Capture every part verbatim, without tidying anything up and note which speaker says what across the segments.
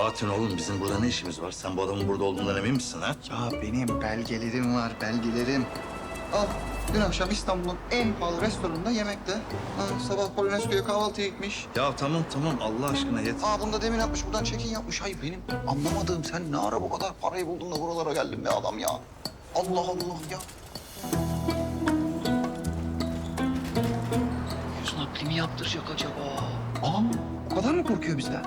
Speaker 1: Bahattin oğlum bizim burada ne işimiz var? Sen bu adamın burada olduğundan emin misin ha?
Speaker 2: Ya benim belgelerim var, belgelerim. Al, dün akşam İstanbul'un en pahalı restoranında yemekte. Ha, sabah Polonezköy'e kahvaltıya gitmiş.
Speaker 1: Ya tamam tamam Allah aşkına yeter.
Speaker 2: Aa, bunu da demin yapmış, buradan check-in yapmış. Hayır benim anlamadığım, sen ne ara bu kadar parayı buldun da buralara geldin be adam ya? Allah Allah ya. Yüz nakli mi yaptıracak acaba? Aa, o kadar mı korkuyor bizden?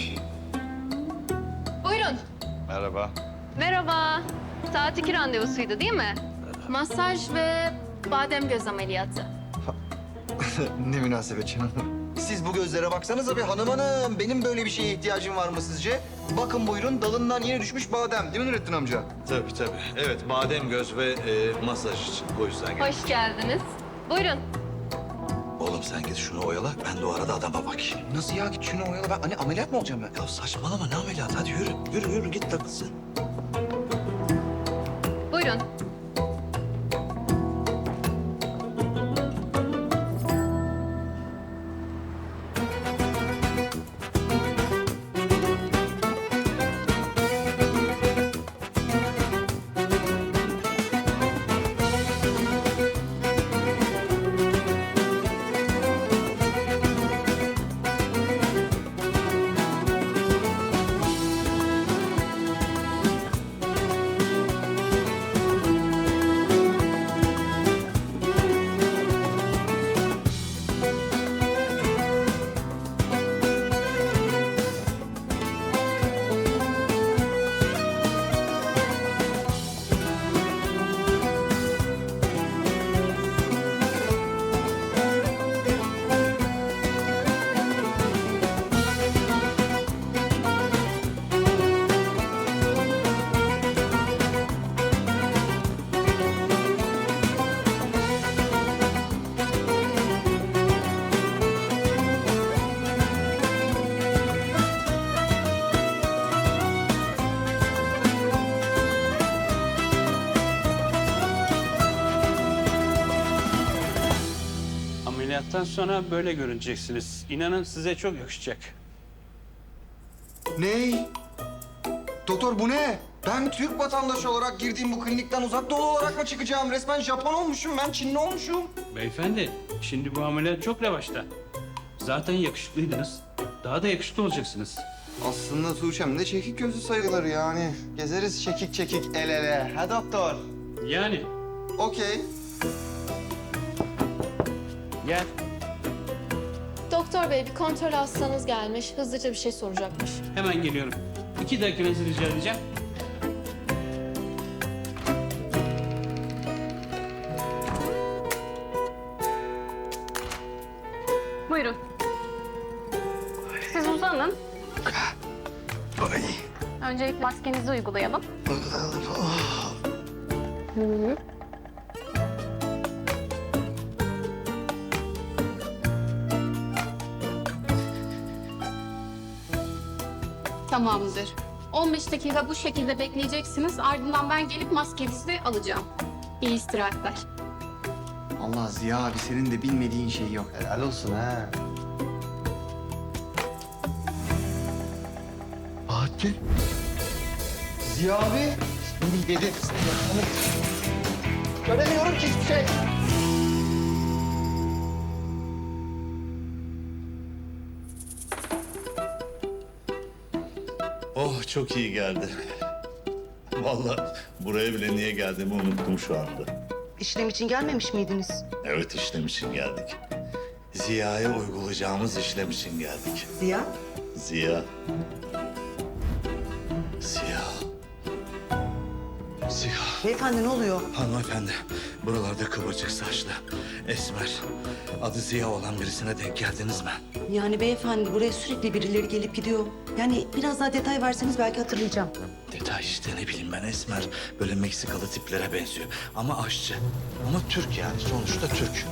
Speaker 3: Buyurun.
Speaker 1: Merhaba.
Speaker 3: Merhaba. Saat iki randevusuydu değil mi? Masaj ve badem göz ameliyatı.
Speaker 2: Ne münasebet canım. Siz bu gözlere baksanıza bir hanım hanım. Benim böyle bir şeye ihtiyacım var mı sizce? Bakın buyurun, dalından yeni düşmüş badem. Değil mi Nurettin amca?
Speaker 1: Tabii tabii. Evet badem göz ve e, masaj için. O yüzden geldim.
Speaker 3: Hoş geldiniz. Buyurun.
Speaker 1: Oğlum sen git şunu oyala. Ben de o arada adama bakayım.
Speaker 2: Nasıl ya? Git şunu oyala. Ben hani ameliyat mı olacağım ben?
Speaker 1: Ya saçmalama ne ameliyat? Hadi yürü. Yürü yürü git takılsın.
Speaker 3: Buyurun.
Speaker 4: Ameliyattan sonra böyle görüneceksiniz. İnanın size çok yakışacak.
Speaker 2: Ney? Doktor bu ne? Ben Türk vatandaşı olarak girdiğim bu klinikten uzak doğu olarak mı çıkacağım? Resmen Japon olmuşum ben, Çinli olmuşum.
Speaker 4: Beyefendi, şimdi bu ameliyat çok revaçta. Zaten yakışıklıydınız. Daha da yakışıklı olacaksınız.
Speaker 2: Aslında Tuğçe'm de çekik gözü sayılır yani. Gezeriz çekik çekik el ele. Ha doktor?
Speaker 4: Yani
Speaker 2: Okey.
Speaker 4: gel.
Speaker 5: Doktor bey bir kontrol hastanız gelmiş. Hızlıca bir şey soracakmış.
Speaker 4: Hemen geliyorum. İki dakikanızı rica edeceğim.
Speaker 3: Buyurun. Siz uzanın.
Speaker 2: Ay.
Speaker 3: Öncelikle maskenizi uygulayalım.
Speaker 6: Tamamdır. on beş dakika bu şekilde bekleyeceksiniz. Ardından ben gelip maskenizi alacağım. İyi istirahatler.
Speaker 2: Allah Ziya abi senin de bilmediğin şey yok. Helal olsun ha. Bahattin. Ziya abi. Dedi. Göremiyorum ki hiçbir şey.
Speaker 7: Oh çok iyi geldi. Vallahi buraya bile niye geldiğimi unuttum şu anda.
Speaker 8: İşlem için gelmemiş miydiniz?
Speaker 7: Evet işlem için geldik. Ziya'ya uygulayacağımız işlem için geldik.
Speaker 8: Ziya?
Speaker 7: Ziya. Ziya. Ziya.
Speaker 8: Beyefendi ne oluyor?
Speaker 1: Hanımefendi buralarda kıvırcık saçlı, esmer, adı Ziya olan birisine denk geldiniz mi?
Speaker 8: Yani beyefendi buraya sürekli birileri gelip gidiyor. Yani biraz daha detay verseniz belki hatırlayacağım.
Speaker 1: Detay işte ne bileyim ben esmer, böyle Meksikalı tiplere benziyor. Ama aşçı, ama Türk yani sonuçta Türk.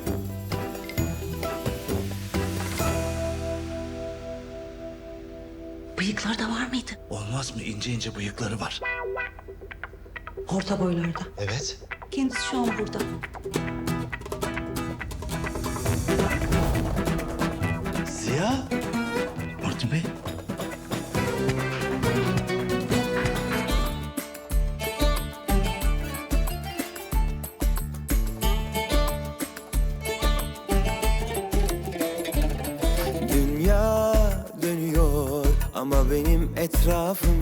Speaker 8: Bıyıklar da var mıydı?
Speaker 1: Olmaz mı? İnce ince bıyıkları var.
Speaker 8: Orta boylarda.
Speaker 1: Evet.
Speaker 8: Kendisi şu an burada.
Speaker 1: Ziya. Martin Bey.
Speaker 9: Ama benim etrafım